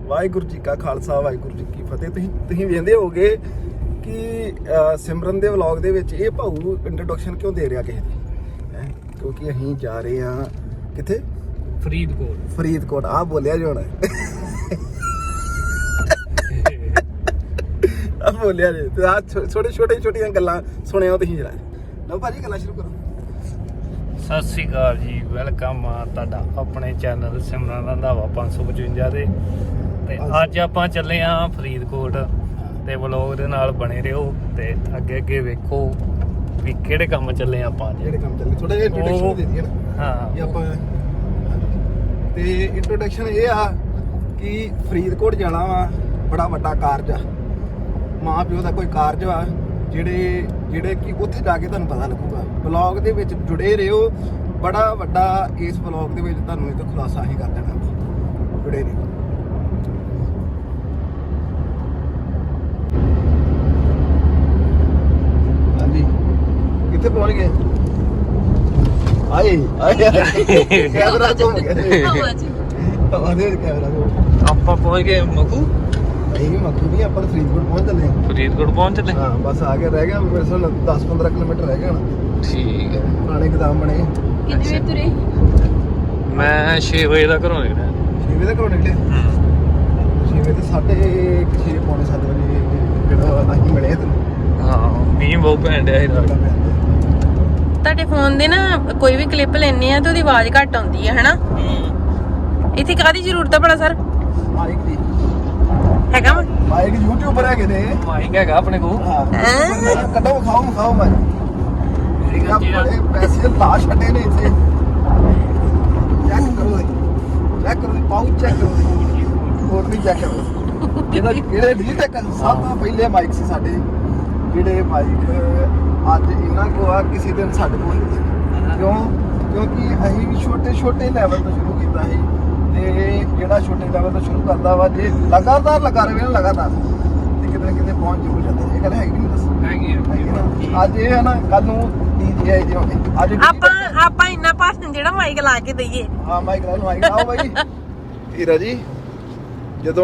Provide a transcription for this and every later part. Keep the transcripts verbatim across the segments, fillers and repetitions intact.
ਵਾਹਿਗੁਰੂ ਜੀ ਕਾ ਖਾਲਸਾ ਵਾਹਿਗੁਰੂ ਜੀ ਕੀ ਫਤਿਹ। ਤੁਸੀਂ ਤੁਸੀਂ ਵੇਖਦੇ ਹੋਗੇ ਕਿ ਸਿਮਰਨ ਦੇ ਵਲੌਗ ਦੇ ਵਿੱਚ ਇਹ ਭਾਊ ਇੰਟਰੋਡਕਸ਼ਨ ਕਿਉਂ ਦੇ ਰਿਹਾ ਕਿਸੇ ਦੀ ਹੈਂ? ਕਿਉਂਕਿ ਅਸੀਂ ਜਾ ਰਹੇ ਹਾਂ ਕਿੱਥੇ? ਫਰੀਦਕੋਟ। ਫਰੀਦਕੋਟ ਆ ਬੋਲਿਆ ਜੀ ਹੁਣ ਆ ਬੋਲਿਆ ਜੀ ਤੇ ਆ ਛੋਟੇ ਛੋਟੇ ਛੋਟੀਆਂ ਗੱਲਾਂ ਸੁਣਿਓ ਤੁਸੀਂ ਜਰਾ। ਲਓ ਭਾਜੀ ਗੱਲਾਂ ਸ਼ੁਰੂ ਕਰੋ। ਸਤਿ ਸ੍ਰੀ ਅਕਾਲ ਜੀ, ਵੈਲਕਮ ਆ ਤੁਹਾਡਾ ਆਪਣੇ ਚੈਨਲ ਸਿਮਰਨ ਰੰਧਾਵਾ ਪੰਜ ਸੌ ਪਚਵੰਜਾ ਦੇ। ਤੇ ਅੱਜ ਆਪਾਂ ਚੱਲੇ ਆ ਫਰੀਦਕੋਟ ਤੇ ਵਲੌਗ ਦੇ ਨਾਲ ਬਣੇ ਰਹੋ ਤੇ ਅੱਗੇ ਅੱਗੇ ਵੇਖੋ ਵੀ ਕਿਹੜੇ ਕੰਮ ਚੱਲੇ ਆਪਾਂ ਅੱਜ। ਜਿਹੜੇ ਕੰਮ ਚੱਲੇ ਥੋੜਾ ਜਿਹਾ ਇੰਟਰੋਡਕਸ਼ਨ ਦੇ ਦਈਏ ਨਾ। ਹਾਂ ਇਹ ਆਪਾਂ ਤੇ ਇੰਟਰੋਡਕਸ਼ਨ ਇਹ ਆ ਕਿ ਫਰੀਦਕੋਟ ਜਾਣਾ ਵਾ, ਬੜਾ ਵੱਡਾ ਕਾਰਜ ਆ, ਮਾਂ ਪਿਓ ਦਾ ਕੋਈ ਕਾਰਜ ਆ ਜਿਹੜੇ ਜਿਹੜੇ ਕਿ ਉੱਥੇ ਜਾ ਕੇ ਤੁਹਾਨੂੰ ਪਤਾ ਲੱਗੂਗਾ। ਵਲੌਗ ਦੇ ਵਿੱਚ ਜੁੜੇ ਰਹੋ, ਬੜਾ ਵੱਡਾ ਇਸ ਵਲੌਗ ਦੇ ਵਿੱਚ ਤੁਹਾਨੂੰ ਇੱਕ ਖੁਲਾਸਾ ਹੀ ਕਰ ਦੇਣਾ। ਜੁੜੇ ਰਹੋ। ਹਾਂਜੀ ਕਿੱਥੇ ਪਹੁੰਚ ਗਏ? ਆਏ ਆਏ ਕੈਮਰਾ ਘੁੰਮ ਗਿਆ। ਆਵਾਜ਼ੇ ਕੈਮਰਾ ਘੁੰਮ। ਆਪਾਂ ਪਹੁੰਚ ਗਏ ਮਖੂ। ਇਹ ਮੱਖੂ ਨਹੀਂ, ਆਪਾਂ ਫਰੀਦਕੋਟ ਪਹੁੰਚ ਚੱਲੇ ਹਾਂ। ਫਰੀਦਕੋਟ ਪਹੁੰਚ ਚੱਲੇ ਹਾਂ ਬਸ ਆ ਗਿਆ, ਰਹਿ ਗਿਆ ਮੇਰੇ ਸਾਲ ਦਸ ਪੰਦਰਾਂ ਕਿਲੋਮੀਟਰ ਰਹਿ ਗਿਆ ਨਾ। ਠੀਕ ਹੈ। ਪੁਰਾਣੇ ਗਦਾਮ ਬਣੇ। ਕਿੰਨੇ ਵਜੇ ਤੁਰੇ? ਮੈਂ ਛੇ ਵਜੇ ਦਾ ਘਰੋਂ ਨਿਕਲਿਆ। ਛੇ ਵਜੇ ਘਰੋਂ ਨਿਕਲੇ। ਛੇ ਵਜੇ ਤੇ ਸਾਢੇ ਛੇ ਪੌਣੇ ਸੱਤ ਵਜੇ ਜਿਹੜਾ ਅਸੀਂ ਮਿਲੇ ਤੈਨੂੰ। ਹਾਂ ਮੀਂਹ ਬਹੁਤ ਪੈਣ ਡਿਆ ਸੀ ਰਾਤ। ਤੁਹਾਡੇ ਫੋਨ ਦੇ ਨਾ ਕੋਈ ਵੀ ਕਲਿੱਪ ਲੈਣੇ ਆ ਤੇ ਉਹਦੀ ਆਵਾਜ਼ ਘੱਟ ਆਉਂਦੀ ਹੈ ਹਨਾ। ਇੱਥੇ ਕਾਹਦੀ ਜ਼ਰੂਰਤ ਆ ਭਲਾ ਸਰ? ਮਾਈਕ ਦੀ ਹੈਗਾ ਵਾ? ਮਾਈਕ ਯੂਟਿਊਬਰ ਹੈਗੇ ਨੇ। ਮਾਈਕ ਹੈਗਾ ਆਪਣੇ ਕੋਲ। ਹਾਂ ਕੱਢੋ ਖਾਓ ਖਾਓ ਮੈਂ ਬੜੇ ਪੈਸੇ ਲਾ ਛੱਡੇ ਨੇ ਇੱਥੇ। ਚੈੱਕ ਕਰੋ ਚੈੱਕ ਕਰੋ ਪਾਉਚ ਚੈੱਕ ਕਰੋ ਹੋਰ ਵੀ ਚੈੱਕ ਕਰੋ। ਇਹਦਾ ਕਿਹੜੇ ਡੀਟੈਕ ਸਭ ਤੋਂ ਪਹਿਲੇ ਮਾਈਕ ਸੀ ਸਾਡੇ, ਜਿਹੜੇ ਮਾਈਕ ਅੱਜ ਇਹਨਾਂ ਕੋਲ ਆ, ਕਿਸੇ ਦਿਨ ਸਾਡੇ ਕੋਲ ਨਹੀਂ। ਕਿਉਂ? ਕਿਉਂਕਿ ਅਸੀਂ ਵੀ ਛੋਟੇ ਛੋਟੇ ਲੈਵਲ ਤੋਂ ਸ਼ੁਰੂ ਕੀਤਾ ਸੀ ਤੇ ਜਿਹੜਾ ਛੋਟੇ ਲੈਵਲ ਤੋਂ ਸ਼ੁਰੂ ਕਰਦਾ ਵਾ ਜੇ ਲਗਾਤਾਰ ਲਗਾ ਰਹੇ ਨਾ ਲਗਾਤਾਰ ਤੇ ਕਿਤੇ ਨਾ ਕਿਤੇ ਪਹੁੰਚ ਜ਼ਰੂਰ ਜਾਂਦਾ। ਇਹ ਗੱਲ ਹੈਗੀ ਨਹੀਂ ਦੱਸ ਹੈਗੀ ਆ। ਅੱਜ ਇਹ ਹੈ ਨਾ, ਕੱਲ ਨੂੰ ਡੀਜੇ ਆਈ ਹੋਵੇ। ਅੱਜ ਆਪਾਂ ਆਪਾਂ ਇੰਨਾ ਭਾਸ਼ਣ ਜਿਹੜਾ ਮਾਈਕ ਲਾ ਕੇ ਦਈਏ। ਹਾਂ ਮਾਈਕ ਨਾਲ ਮਾਈਕ ਆਓ ਬਾਈ। ਹੀਰਾ ਜੀ ਜਦੋਂ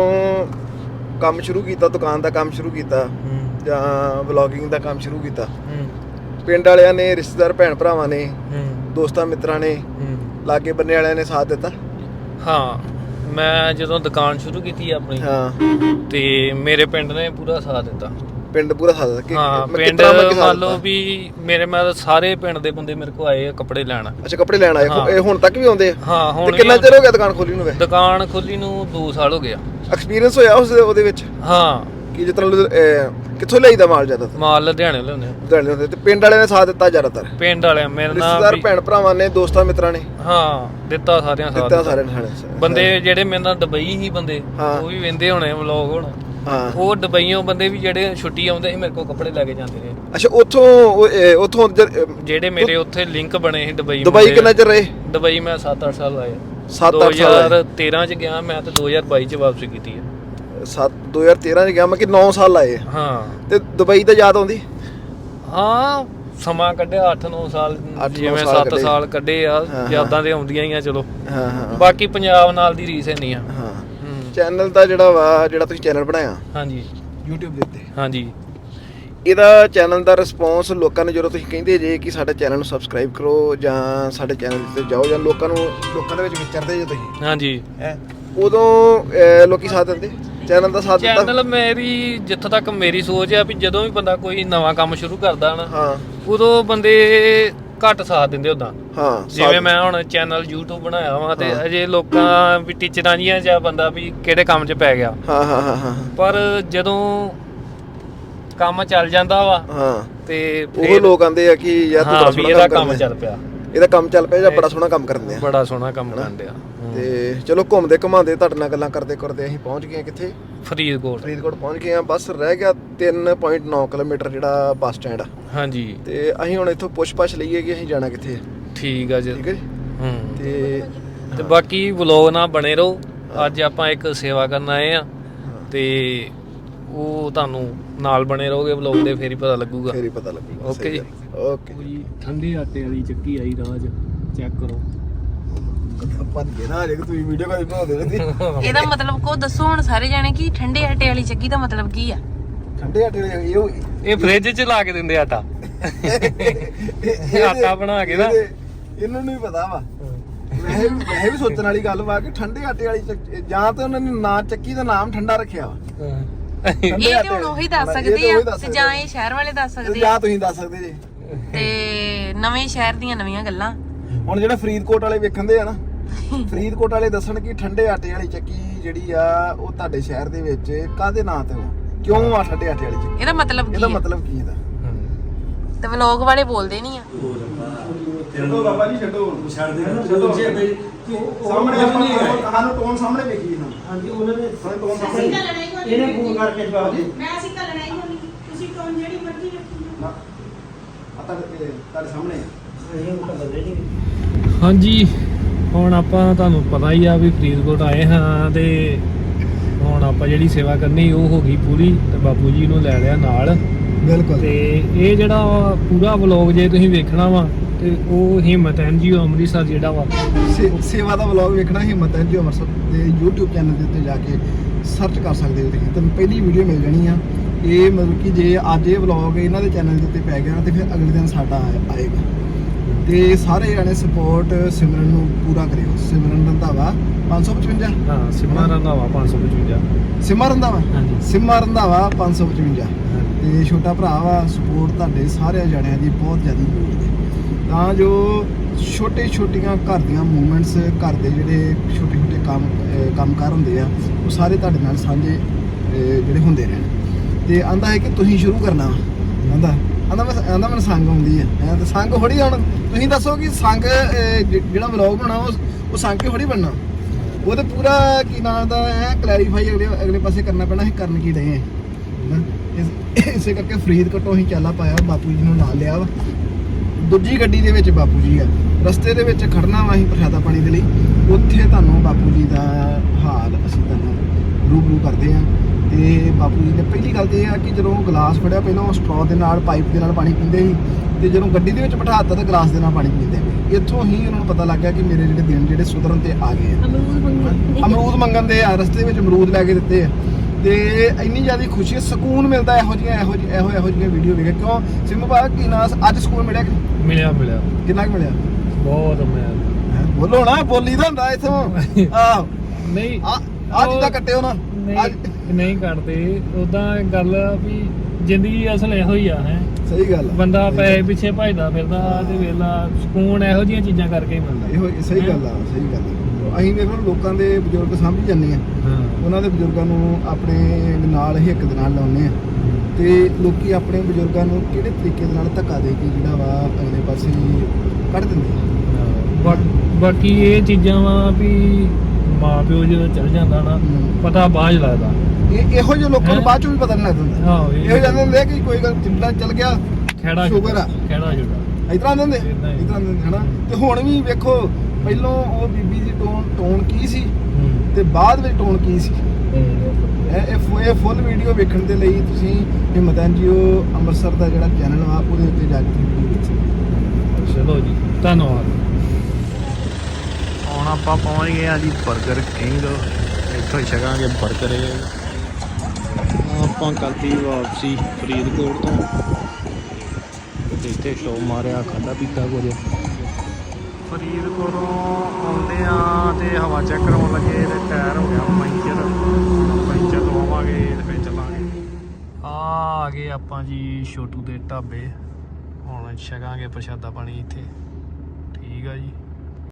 ਕੰਮ ਸ਼ੁਰੂ ਕੀਤਾ, ਦੁਕਾਨ ਦਾ ਕੰਮ ਸ਼ੁਰੂ ਕੀਤਾ ਜਾਂ ਵਲੌਗਿੰਗ ਦਾ ਕੰਮ ਸ਼ੁਰੂ ਕੀਤਾ, ਪਿੰਡ ਵਾਲਿਆਂ ਨੇ, ਰਿਸ਼ਤੇਦਾਰ ਭੈਣ ਭਰਾਵਾਂ ਨੇ, ਦੋਸਤਾਂ ਮਿੱਤਰਾਂ ਨੇ, ਲਾਗੇ ਬੰਨੇ ਵਾਲਿਆਂ ਨੇ ਸਾਥ ਦਿੱਤਾ। ਹਾਂ ਮੈਂ ਜਦੋਂ ਦੁਕਾਨ ਸ਼ੁਰੂ ਕੀਤੀ ਆਪਣੀ ਹਾਂ ਤੇ ਮੇਰੇ ਪਿੰਡ ਨੇ ਪੂਰਾ ਸਾਥ ਦਿੱਤਾ। ਪਿੰਡ ਪੂਰਾ ਸਾਥ ਦਿੱਤਾ। ਹਾਂ ਪਿੰਡ ਮੰਨ ਲਓ ਵੀ ਮੇਰੇ ਮੈਂ ਸਾਰੇ ਪਿੰਡ ਦੇ ਬੰਦੇ ਮੇਰੇ ਕੋਲ ਆਏ ਆ ਕੱਪੜੇ ਲੈਣ। ਅੱਛਾ ਕੱਪੜੇ ਲੈਣ ਆਏ? ਇਹ ਹੁਣ ਤੱਕ ਵੀ ਆਉਂਦੇ ਆ? ਹਾਂ ਹੁਣ ਤੇ ਕਿੰਨਾ ਚਿਰ ਹੋ ਗਿਆ ਦੁਕਾਨ ਖੋਲੀ ਨੂੰ? ਦੁਕਾਨ ਖੋਲੀ ਨੂੰ ਦੋ ਸਾਲ ਹੋ ਗਿਆ। ਐਕਸਪੀਰੀਅੰਸ ਹੋਇਆ ਉਸ ਉਹਦੇ ਵਿੱਚ? ਹਾਂ ਕਿ ਜਿਸ ਤਰ੍ਹਾਂ ਕਿੱਥੋਂ ਲਈਦਾ ਮਾਲ ਜ਼ਿਆਦਾ? ਮਾਲ ਲੁਧਿਆਣੇ ਲਿਆਉਂਦੇ ਆ। ਲੁਧਿਆਣੇ ਹੁੰਦੇ ਤੇ ਪਿੰਡ ਵਾਲਿਆਂ ਨੇ ਸਾਥ ਦਿੱਤਾ ਜ਼ਿਆਦਾਤਰ? ਪਿੰਡ ਵਾਲਿਆਂ ਮੇਰੇ ਨਾਲ ਰਿਸ਼ਤੇਦਾਰ ਭੈਣ ਭਰਾਵਾਂ ਨੇ, ਦੋਸਤਾਂ ਮਿੱਤਰਾਂ ਨੇ? ਹਾਂ ਦਿੱਤਾ ਸਾਰਿਆਂ ਸਾਥ ਦਿੱਤਾ ਸਾਰਿਆਂ ਨੇ। ਬੰਦੇ ਜਿਹੜੇ ਮੇਰੇ ਨਾਲ ਦੁਬਈ ਹੀ ਬੰਦੇ ਉਹ ਵੀ ਵਹਿੰਦੇ ਹੋਣੇ ਵਲੌਗ ਹੁਣ। ਹਾਂ ਉਹ ਦੁਬਈਓਂ ਬੰਦੇ ਵੀ ਜਿਹੜੇ ਛੁੱਟੀ ਆਉਂਦੇ ਸੀ ਮੇਰੇ ਕੋਲ ਕੱਪੜੇ ਲੈ ਕੇ ਜਾਂਦੇ ਰਹੇ। ਅੱਛਾ ਉੱਥੋਂ ਉੱਥੋਂ ਜਿਹੜੇ ਮੇਰੇ ਉੱਥੇ ਲਿੰਕ ਬਣੇ ਸੀ ਦੁਬਈ। ਦੁਬਈ ਕਿੰਨਾ ਚਿਰ ਰਹੇ? ਦੁਬਈ ਮੈਂ ਸੱਤ ਅੱਠ ਸਾਲ ਲਾਏ। ਸੱਤ ਅੱਠ ਸਾਲ? ਦੋ ਹਜ਼ਾਰ ਤੇਰਾਂ ਚ ਗਿਆ ਮੈਂ ਤੇ ਦੋ ਹਜ਼ਾਰ ਬਾਈ ਚ ਵਾਪਸੀ ਕੀਤੀ ਹੈ। ਸੱਤ ਦੋ ਹਜ਼ਾਰ ਤੇਰਾਂ ਚ ਗਿਆ ਮੈਂ ਕਿ ਨੌ ਸਾਲ ਲਾਏ। ਹਾਂ ਤੇ ਦੁਬਈ ਤਾਂ ਯਾਦ ਆਉਂਦੀ? ਹਾਂ ਸਮਾਂ ਕੱਢਿਆ ਅੱਠ ਨੌ ਸਾਲ, ਜਿਵੇਂ ਸੱਤ ਸਾਲ ਕੱਢੇ ਆ, ਯਾਦਾਂ ਤੇ ਆਉਂਦੀਆਂ ਹੀ ਆ। ਚਲੋ ਹਾਂ ਹਾਂ ਬਾਕੀ ਪੰਜਾਬ ਨਾਲ ਦੀ ਰੀਸ ਨਹੀਂ ਆ। ਹਾਂ ਚੈਨਲ ਦਾ ਜਿਹੜਾ ਵਾ, ਜਿਹੜਾ ਤੁਸੀਂ ਚੈਨਲ ਬਣਾਇਆ ਹਾਂਜੀ YouTube ਦੇ ਉੱਤੇ, ਹਾਂਜੀ ਇਹਦਾ ਚੈਨਲ ਦਾ ਰਿਸਪੌਂਸ ਲੋਕਾਂ ਨੇ ਜਦੋਂ ਤੁਸੀਂ ਕਹਿੰਦੇ ਜੇ ਕਿ ਸਾਡੇ ਚੈਨਲ ਨੂੰ ਸਬਸਕ੍ਰਾਈਬ ਕਰੋ ਜਾਂ ਸਾਡੇ ਚੈਨਲ ਤੇ ਜਾਓ ਜਾਂ ਲੋਕਾਂ ਨੂੰ ਲੋਕਾਂ ਦੇ ਵਿੱਚ ਵਿਚਰਦੇ ਜੇ ਤੁਸੀਂ ਹਾਂਜੀ ਹੈ ਉਦੋਂ ਲੋਕੀ ਸਾਥ ਦਿੰਦੇ? ਚੈਨਲ ਦਾ ਸਾਥ ਦਿੱਤਾ? ਚੈਨਲ ਮੇਰੀ ਜਿੱਥੋਂ ਤੱਕ ਮੇਰੀ ਸੋਚ ਆ ਵੀ ਜਦੋਂ ਵੀ ਬੰਦਾ ਕੋਈ ਨਵਾਂ ਕੰਮ ਸ਼ੁਰੂ ਕਰਦਾ ਨਾ ਹਾਂ ਉਦੋਂ ਬੰਦੇ ਘੱਟ ਸਾਥ ਦਿੰਦੇ ਉਦਾਂ। ਹਾਂ ਜਿਵੇਂ ਮੈਂ ਹੁਣ ਚੈਨਲ YouTube ਬਣਾਇਆ ਵਾ ਤੇ ਅਜੇ ਲੋਕਾਂ ਵੀ ਟੀਚਰਾਂ ਜੀਆਂ ਜਾਂ ਬੰਦਾ ਵੀ ਕਿਹੜੇ ਕੰਮ 'ਚ ਪੈ ਗਿਆ। ਹਾਂ ਹਾਂ ਹਾਂ ਹਾਂ ਪਰ ਜਦੋਂ ਕੰਮ ਚੱਲ ਜਾਂਦਾ ਵਾ ਹਾਂ ਤੇ ਉਹ ਲੋਕ ਆਂਦੇ ਆ ਕਿ ਯਾਰ ਤੂੰ ਬੜਾ ਸੋਹਣਾ ਇਹਦਾ ਕੰਮ ਚੱਲ ਪਿਆ, ਇਹਦਾ ਕੰਮ ਚੱਲ ਪਿਆ ਜਾਂ ਬੜਾ ਸੋਹਣਾ ਕੰਮ ਕਰਦੇ ਆ, ਬੜਾ ਸੋਹਣਾ ਕੰਮ ਕਰਦੇ ਆ। ਤੇ ਚਲੋ ਘੁੰਮਦੇ ਘੁਮਾਉਂਦੇ ਤੁਹਾਡੇ ਨਾਲ ਗੱਲਾਂ ਕਰਦੇ ਕਰਦੇ ਅਸੀਂ ਪਹੁੰਚ ਗਏ ਕਿੱਥੇ? ਫਰੀਦਕੋਟ। ਫਰੀਦਕੋਟ ਪਹੁੰਚ ਗਏ ਆ। ਬਸ ਰਹਿ ਗਿਆ ਤਿੰਨ ਪੁਆਇੰਟ ਨੌ ਕਿਲੋਮੀਟਰ ਜਿਹੜਾ ਬੱਸ ਸਟੈਂਡ ਆ। ਹਾਂਜੀ ਤੇ ਅਸੀਂ ਹੁਣ ਇੱਥੋਂ ਪੁੱਛ ਪਛ ਲਈਏ ਕਿ ਅਸੀਂ ਜਾਣਾ ਕਿੱਥੇ? ਠੀਕ ਆ ਜੀ। ਠੀਕ ਹੈ ਜੀ। ਹੂੰ ਤੇ ਤੇ ਬਾਕੀ ਵਲੌਗ ਨਾਲ ਬਣੇ ਰਹੋ। ਅੱਜ ਆਪਾਂ ਇੱਕ ਸੇਵਾ ਕਰਨ ਆਏ ਆ ਤੇ ਉਹ ਤੁਹਾਨੂੰ ਨਾਲ ਬਣੇ ਰਹੋਗੇ ਵਲੌਗ ਦੇ, ਫੇਰ ਹੀ ਪਤਾ ਲੱਗੂਗਾ। ਫੇਰ ਹੀ ਪਤਾ ਲੱਗੂਗਾ। ਓਕੇ ਜੀ। ਓਕੇ ਠੰਡੇ ਆਟੇ ਵਾਲੀ ਚੱਕੀ ਆਈ ਰਾਜ, ਚੈੱਕ ਕਰੋ। ਭੱਜ ਗਏ ਨਾ ਜੇ ਤੁਸੀਂ ਵੀਡੀਓ ਕਾਲ ਬਣਾਉਂਦੇ ਰਹਿੰਦੇ ਇਹਦਾ ਮਤਲਬ ਕੋ ਦੱਸੋ ਹੁਣ ਸਾਰੇ ਜਾਣੇ ਕਿ ਠੰਡੇ ਆਟੇ ਵਾਲੀ ਚੱਕੀ ਦਾ ਮਤਲਬ ਕੀ ਆ? ਠੰਡੇ ਆਟੇ ਦੇ ਇਹ ਇਹ ਫ੍ਰਿਜ 'ਚ ਲਾ ਕੇ ਦਿੰਦੇ ਆਟਾ ਆਟਾ ਬਣਾ ਕੇ ਨਾ ਇਹਨੂੰ ਨਹੀਂ ਪਤਾ ਵਾ ਵੈਸੇ ਵੀ ਵੈਸੇ ਵੀ ਸੋਚਣ ਵਾਲੀ ਗੱਲ ਵਾ ਕਿ ਠੰਡੇ ਆਟੇ ਵਾਲੀ ਚੱਕੀ ਜਾਂ ਤਾਂ ਉਹਨਾਂ ਨੇ ਨਾਂ ਚੱਕੀ ਦਾ ਨਾਮ ਠੰਡਾ ਰੱਖਿਆ ਵਾ ਇਹ ਤੇ ਹੁਣ ਉਹੀ ਦੱਸ ਸਕਦੇ ਆ ਤੇ ਜਾਂ ਇਹ ਸ਼ਹਿਰ ਵਾਲੇ ਦੱਸ ਸਕਦੇ ਆ ਜਾਂ ਤੁਸੀਂ ਦੱਸ ਸਕਦੇ ਜੇ ਤੇ ਨਵੇਂ ਸ਼ਹਿਰ ਦੀਆਂ ਨਵੀਆਂ ਗੱਲਾਂ। ਹੁਣ ਜਿਹੜਾ ਫਰੀਦਕੋਟ ਵਾਲੇ ਵੇਖਣ ਦੇ ਆ ਨਾ ਫਰੀਦਕੋਟ ਵਾਲੇ ਦੱਸਣ ਕਿ ਠੰਡੇ ਆਟੇ ਵਾਲੀ ਚੱਕੀ ਜਿਹੜੀ ਆ ਉਹ ਤੁਹਾਡੇ ਸ਼ਹਿਰ ਦੇ ਵਿੱਚ ਕਾਹਦੇ ਨਾਂ ਤੇ ਵਾ, ਕਿਉਂ ਆ ਠੰਡੇ ਆਟੇ ਵਾਲੀ ਚੱਕੀ, ਇਹਦਾ ਮਤਲਬ ਕੀ ਇਹਦਾ ਹੈ? ਮਤਲਬ ਕੀ ਇਹਦਾ? ਤੇ ਵਲੋਗ ਵਾਲੇ ਬੋਲਦੇ ਨਹੀਂ ਆ। ਛੱਡੋ ਬਾਬਾ ਜੀ ਛੱਡੋ ਛੱਡ ਦੇ ਛੱਡੋ ਸਾਹਮਣੇ ਆਪਾਂ ਸਾਨੂੰ ਟੋਨ ਸਾਹਮਣੇ ਵੇਖੀ ਨਾ। ਹਾਂਜੀ ਉਹਨਾਂ ਨੇ ਸਾਨੂੰ ਟੋਨ ਅਸੀਂ ਸਾਹਮਣੇ ਗੱਲ ਨਹੀਂ ਹੋਣੀ। ਇਹਨੇ ਫੋਨ ਕਰਕੇ ਜਵਾਬ ਦੇ ਮੈਂ ਅਸੀਂ ਗੱਲ ਨਹੀਂ ਹੋਣੀ। ਤੁਸੀਂ ਟੋਨ ਜਿਹੜੀ ਮਰਜ਼ੀ ਰੱਖੀ ਨਾ ਆ ਤੁਹਾਡੇ ਤੁਹਾਡੇ ਸਾਹਮਣੇ ਅਸੀਂ ਉਹ ਤਾਂ ਬਦਲੇ ਨਹੀਂ। ਹਾਂਜੀ ਹੁਣ ਆਪਾਂ ਤੁਹਾਨੂੰ ਪਤਾ ਹੀ ਆ ਵੀ ਫਰੀਦਕੋਟ ਆਏ ਹਾਂ ਤੇ ਹੁਣ ਆਪਾਂ ਜਿਹੜੀ ਸੇਵਾ ਕਰਨੀ ਉਹ ਹੋ ਗਈ ਪੂਰੀ ਤੇ ਬਾਪੂ ਜੀ ਨੂੰ ਲੈ ਲਿਆ ਨਾਲ। ਬਿਲਕੁਲ ਤੇ ਇਹ ਜਿਹੜਾ ਪੂਰਾ ਵਲੌਗ ਜੇ ਤੁਸੀਂ ਵੇਖਣਾ ਵਾ ਤੇ ਉਹ ਹਿੰਮਤ ਐਨਜੀਓ ਅੰਮ੍ਰਿਤਸਰ ਜਿਹੜਾ ਵਾ ਸੇਵਾ ਦਾ ਵਲੌਗ ਵੇਖਣਾ ਹਿੰਮਤ ਐਨਜੀਓ ਅੰਮ੍ਰਿਤਸਰ ਦੇ YouTube ਚੈਨਲ ਦੇ ਉੱਤੇ ਜਾ ਕੇ ਸਰਚ ਕਰ ਸਕਦੇ ਹੋ ਤੁਸੀਂ, ਤੁਹਾਨੂੰ ਪਹਿਲੀ ਵੀਡੀਓ ਮਿਲ ਜਾਣੀ ਆ। ਇਹ ਮਤਲਬ ਕਿ ਜੇ ਅੱਜ ਇਹ ਵਲੌਗ ਇਹਨਾਂ ਦੇ ਚੈਨਲ ਦੇ ਉੱਤੇ ਪੈ ਗਿਆ ਤੇ ਫਿਰ ਅਗਲੇ ਦਿਨ ਸਾਡਾ ਆਏ- ਆਏਗਾ ਤੇ ਸਾਰੇ ਜਾਣੇ ਸਪੋਰਟ ਸਿਮਰਨ ਨੂੰ ਪੂਰਾ ਕਰਿਓ। ਸਿਮਰਨ ਰੰਧਾਵਾ ਪੰਜ ਸੌ ਪਚਵੰਜਾ ਹਾਂ ਸਿਮਾ ਰੰਧਾਵਾ ਪੰਜ ਸੌ ਪਚਵੰਜਾ ਸਿਮਾ ਰੰਧਾਵਾ ਹਾਂਜੀ ਸਿਮਾ ਰੰਧਾਵਾ ਪੰਜ ਸੌ ਪਚਵੰਜਾ ਹਾਂਜੀ। ਤੇ ਛੋਟਾ ਭਰਾ ਵਾ। ਸਪੋਰਟ ਤੁਹਾਡੇ ਸਾਰੇ ਜਣਿਆਂ ਦੀ ਬਹੁਤ ਜ਼ਿਆਦਾ ਜ਼ਰੂਰੀ ਹੈ ਤਾਂ ਜੋ ਛੋਟੇ ਛੋਟੀਆਂ ਘਰ ਦੀਆਂ ਮੂਵਮੈਂਟਸ ਘਰ ਦੇ ਜਿਹੜੇ ਛੋਟੇ ਛੋਟੇ ਕੰਮ ਅਹ ਕੰਮਕਾਰ ਹੁੰਦੇ ਆ ਉਹ ਸਾਰੇ ਤੁਹਾਡੇ ਨਾਲ ਸਾਂਝੇ ਅਹ ਜਿਹੜੇ ਹੁੰਦੇ ਰਹਿਣ। ਤੇ ਆਂਦਾ ਹੈ ਕਿ ਤੁਸੀਂ ਸ਼ੁਰੂ ਕਰਨਾ ਵਾ ਆਂਦਾ ਆਂਦਾ ਮੈਂ ਆਂਦਾ ਮੈਨੂੰ ਸੰਗ ਆਉਂਦੀ ਹੈ ਐ ਤਾਂ ਸੰਗ ਥੋੜੀ ਹੁਣ ਤੁਸੀਂ ਦੱਸੋ ਕਿ ਸੰਗ ਅਹ, ਜ- ਜਿਹੜਾ ਵਲੌਗ ਬਣਾਉਣਾ ਉਹ ਉਹ ਸੰਗ ਕੇ ਥੋੜੀ ਬਣਨਾ ਉਹ ਤੇ ਪੂਰਾ ਕੀ ਨਾਮ ਦਾ ਐ ਕਲੈਰੀਫਾਈ ਅਗਲੇ ਅਗਲੇ ਪਾਸੇ ਕਰਨਾ ਪੈਣਾ ਅਸੀਂ ਕਰਨ ਕੀ ਰਹੇ ਹਾਂ। ਇਸ- ਇਸੇ ਕਰਕੇ ਫਰੀਦਕੋਟੋਂ ਅਸੀਂ ਚਾਲਾ ਪਾਇਆ ਬਾਪੂ ਜੀ ਨੂੰ ਨਾਲ ਲਿਆ ਵਾ। ਦੂਜੀ ਗੱਡੀ ਦੇ ਵਿੱਚ ਬਾਪੂ ਜੀ ਆ, ਰਸਤੇ ਦੇ ਵਿੱਚ ਖੜਨਾ ਵਾ ਅਸੀਂ ਪ੍ਰਸ਼ਾਦਾ ਪਾਣੀ ਦੇ ਲਈ। ਉੱਥੇ ਤੁਹਾਨੂੰ ਬਾਪੂ ਜੀ ਦਾ ਹਾਲ ਅਸੀਂ ਤੁਹਾਨੂੰ ਰੂਬਰੂ ਕਰਦੇ ਆ। ਤੇ ਬਾਪੂ ਜੀ ਨੇ ਪਹਿਲੀ ਗੱਲ ਤੇ ਇਹ ਆ ਕਿ ਜਦੋਂ ਗਲਾਸ ਫੜਿਆ ਪਹਿਲਾਂ ਉਹ ਸਟ੍ਰੋ ਦੇ ਨਾਲ ਪਾਈਪ ਦੇ ਨਾਲ ਪਾਣੀ ਪੀਂਦੇ ਸੀ ਤੇ ਜਦੋਂ ਗੱਡੀ ਦੇ ਵਿੱਚ ਬਿਠਾਤਾ ਤਾਂ ਗਲਾਸ ਦੇ ਨਾਲ ਪਾਣੀ ਪੀਂਦੇ ਪਏ। ਇੱਥੋਂ ਹੀ ਉਹਨਾਂ ਨੂੰ ਪਤਾ ਲੱਗ ਗਿਆ ਕਿ ਮੇਰੇ ਜਿਹੜੇ ਦਿਨ ਜਿਹੜੇ ਸੁਧਰਨ ਤੇ ਆ ਗਏ ਆ। ਅਮਰੂਦ ਮੰਗਣ ਦੇ ਆ, ਰਸਤੇ ਵਿੱਚ ਅਮਰੂਦ ਲੈ ਕੇ ਦਿੱਤੇ ਆ ਤੇ ਇੰਨੀ ਜ਼ਿਆਦਾ ਖੁਸ਼ੀ ਸਕੂਨ ਮਿਲਦਾ ਇਹੋ ਜਿਹੀਆਂ ਇਹੋ ਜਿਹੀ ਇਹੋ ਇਹੋ ਜਿਹੀਆਂ ਵੀਡੀਓ ਵੇਖ ਕੇ। ਕਿਉਂ ਸਿੰਮੂ ਭਾ ਕੀ ਨਾ ਅੱਜ ਸਕੂਨ ਮਿਲਿਆ ਕਿ ਨਹੀਂ? ਮਿਲਿਆ ਮਿਲਿਆ ਕਿੰਨਾ ਕੁ ਮਿਲਿਆ? ਬਹੁਤ ਮਿਲਿਆ। ਹੈਂ? ਬੋਲੋ ਨਾ ਬੋਲੀ ਦਾ ਹੁੰਦਾ ਇੱਥੋਂ ਆਹ ਨਹੀਂ ਆ ਆ ਜਿੱਦਾਂ ਕੱਟਿਓ ਨਾ ਅੱਜ ਨਹੀਂ ਨਹੀਂ ਕਰਦੇ ਉਦਾਂ ਗੱਲ ਆ ਵੀ ਜ਼ਿੰਦਗੀ ਅਸਲ ਇਹੋ ਹੀ ਆ ਹੈ। ਸਹੀ ਗੱਲ ਆ। ਬੰਦਾ ਪੈਸੇ ਪਿੱਛੇ ਭਜਦਾ ਫਿਰਦਾ ਤੇ ਵੇਲਾ ਸਕੂਨ ਇਹੋ ਜਿਹੀਆਂ ਚੀਜ਼ਾਂ ਕਰਕੇ ਹੀ ਮਿਲਦਾ। ਇਹੋ ਸਹੀ ਗੱਲ ਆ ਸਹੀ ਗੱਲ ਆ। ਅਸੀਂ ਵੇਖੋ ਲੋਕਾਂ ਦੇ ਬਜ਼ੁਰਗ ਸਮਝ ਜਾਂਦੇ ਆ, ਹਾਂ ਉਹਨਾਂ ਦੇ ਬਜ਼ੁਰਗਾਂ ਨੂੰ ਆਪਣੇ ਨਾਲ ਹਿੱਕ ਦੇ ਨਾਲ ਲਾਉਂਦੇ ਆ ਤੇ ਲੋਕੀ ਆਪਣੇ ਬਜ਼ੁਰਗਾਂ ਨੂੰ ਕਿਹੜੇ ਤਰੀਕੇ ਦੇ ਨਾਲ ਧੱਕਾ ਦੇ ਕੇ ਜਿਹੜਾ ਵਾ ਅਗਲੇ ਪਾਸੇ ਕੱਢ ਦਿੰਦੇ ਆ। ਬਾ- ਬਾਕੀ ਇਹ ਚੀਜ਼ਾਂ ਵਾ ਵੀ ਮਾਂ ਪਿਓ ਜਦੋਂ ਚਲ ਜਾਂਦਾ ਨਾ ਹਮ। ਪਤਾ ਬਾਅਦ 'ਚ ਲੱਗਦਾ। ਇਹ ਇਹੋ ਜਿਹੇ ਲੋਕਾਂ ਨੂੰ ਹੈਂ? ਬਾਅਦ ਚੋਂ ਵੀ ਪਤਾ ਨਹੀਂ ਲੱਗਦਾ। ਆਹੋ ਇਹੋ ਜਾਂਦੇ ਹੁੰਦੇ ਆ ਕਿ ਕੋਈ ਗੱਲ ਜਿੰਦਾ ਚੱਲ ਗਿਆ ਖੇੜਾ ਸ਼ੂਗਰ ਆ। ਖੇੜਾ ਜੁੜਾ ਇਸ ਤਰ੍ਹਾਂ ਦੇ ਹੁੰਦੇ ਏਦਾਂ ਹੀ। ਇਸ ਤਰ੍ਹਾਂ ਦੇ ਹੁੰਦੇ ਹਨਾ। ਤੇ ਹੁਣ ਵੀ ਵੇਖੋ ਪਹਿਲੋਂ ਉਹ ਬੀਬੀ ਦੀ ਟੋਨ ਟੋਨ ਕੀ ਸੀ ਤੇ ਬਾਅਦ ਵਿੱਚ ਟੋਨ ਕੀ ਸੀ। ਇਹ ਇਹ ਫੁ- ਇਹ ਫੁੱਲ ਵੀਡੀਓ ਵੇਖਣ ਦੇ ਲਈ ਤੁਸੀਂ ਹਿੰਮਤ ਐਨਜੀਓ ਅੰਮ੍ਰਿਤਸਰ ਦਾ ਜਿਹੜਾ ਚੈਨਲ ਵਾ ਉਹਦੇ ਉੱਤੇ ਜਾ ਕੇ ਤੁਸੀਂ ਵੀਡੀਓ ਦੇਖ ਸਕਦੇ ਹੋ। ਚਲੋ ਜੀ ਧੰਨਵਾਦ। ਹੁਣ ਆਪਾਂ ਪਹੁੰਚ ਗਏ ਆ ਜੀ 버ਗਰ ਕਿੰਗ। ਇੱਥੋਂ ਹੀ ਛਕਾਂਗੇ 버ਗਰ। ਆਪਾਂ ਕਰਤੀ ਵਾਪਸੀ ਫਰੀਦਕੋਟ ਤੋਂ ਤੇ ਇੱਥੇ ਸ਼ੋ ਮਾਰਿਆ ਖਾਦਾ ਪੀਤਾ ਕੁਝ। ਫਰੀਦਕੋਟੋਂ ਆਉਂਦੇ ਆ ਤੇ ਹਵਾ ਚੈੱਕ ਕਰਾਉਣ ਲੱਗੇ ਤੇ ਟਾਇਰ ਹੋ ਗਿਆ ਪੈਂਚਰ। ਪੈਂਚਰ ਲਵਾਵਾਂਗੇ ਤੇ ਫਿਰ ਚੱਲਾਂਗੇ। ਆ ਆ ਗਏ ਆਪਾਂ ਜੀ ਛੋਟੂ ਦੇ ਢਾਬੇ। ਹੁਣ ਛਕਾਂਗੇ ਪ੍ਰਸ਼ਾਦਾ ਪਾਣੀ ਇੱਥੇ। ਠੀਕ ਆ ਜੀ।